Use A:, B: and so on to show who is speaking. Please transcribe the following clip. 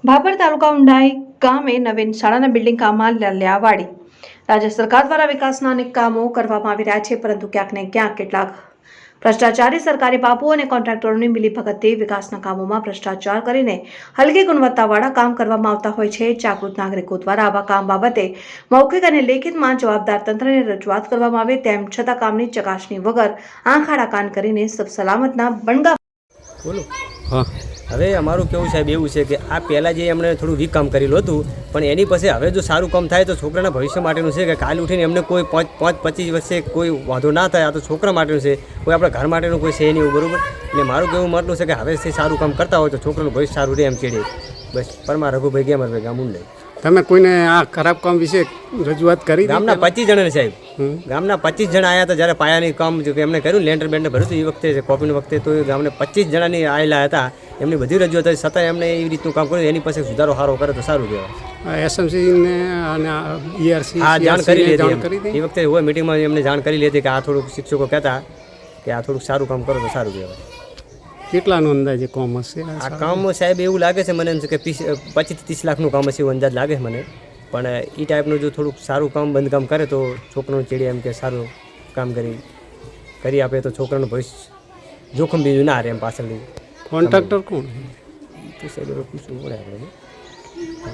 A: ભાભર તાલુકા ઉંડાઈ ગામે નવીન શાળાના બિલ્ડિંગ કામમાં લલ્યાવાડી રાજ્ય સરકાર દ્વારા વિકાસના અનેક કામો કરવામાં આવી રહ્યા છે, પરંતુ ક્યાંક ને ક્યાંક કેટલાક ભ્રષ્ટાચારી સરકારી બાબુઓ અને કોન્ટ્રાક્ટરોની મિલીભગતથી વિકાસના કામોમાં ભ્રષ્ટાચાર કરીને હલકી ગુણવત્તાવાળા કામ કરવામાં આવતા હોય છે। જાગૃત નાગરિકો દ્વારા આવા કામ બાબતે મૌખિક અને લેખિતમાં જવાબદાર તંત્રને રજૂઆત કરવામાં આવે, તેમ છતાં કામની ચકાસણી વગર આંખ આડા કાન કરીને સબ સલામતના બણગા
B: બોલો। હા, હવે અમારું કેવું સાહેબ એવું છે કે આ પહેલાં જે એમણે થોડું વીક કામ કરેલું હતું, પણ એની પાસે હવે જો સારું કામ થાય તો છોકરાના ભવિષ્ય માટેનું છે કે કાલ ઉઠીને એમને કોઈ 5-25 વર્ષે કોઈ વાંધો ના થાય। આ તો છોકરા માટેનું છે, કોઈ આપણા ઘર માટેનું કોઈ છે નહીં, બરાબર। એટલે મારું કેવું મતનું છે કે હવેથી સારું કામ કરતા હોય તો છોકરાનું ભવિષ્ય સારું રહે એમ ચેડે બસ। પરમા રઘુભાઈ ગયા મારા ગામ ઊંડાઈ।
C: તમે કોઈને આ ખરાબ કામ વિશે રજૂઆત કરી?
B: ગામના 25 જણાને સાહેબ, ગામના 25 જણા આવ્યા હતા જ્યારે પાયાની કામ એમને કર્યું, લેન્ટર બેન્ટર ભર્યું હતું એ વખતે, કોપીની વખતે, તો એ ગામને 25 જણાની આવેલા હતા, એમની બધી રજૂઆત હતી, છતાં એમને એવી રીતનું કામ કર્યું, એની પાસે સુધારો સારો કરે તો સારું કહેવાય।
C: એસએમસીને અને ઈઆરસી
B: હા, જાણ કરી
C: જાણ
B: લીધી
C: કરી
B: એ વખતે હોય મિટિંગમાં એમને જાણ કરી લીધી કે આ થોડુંક શિક્ષકો કહેતા કે આ થોડુંક સારું કામ કરો તો સારું કહેવાય।
C: કેટલાનું અંદાજે કામ હશે
B: આ કામ સાહેબ એવું લાગે છે મને એમ છે કે 25-30 લાખનું કામ હશે એવું અંદાજ લાગે છે મને, પણ એ ટાઈપનું જો થોડુંક સારું કામ બંધકામ કરે તો છોકરાનું ચેડે એમ કે સારું કામ કરી આપે તો છોકરાનું ભવિષ્ય જોખમ બીજું ના રહે એમ પાછળથી।
C: કોન્ટ્રાક્ટર કોણ?
B: તો સાહેબ પૂછવું પડે આપણે।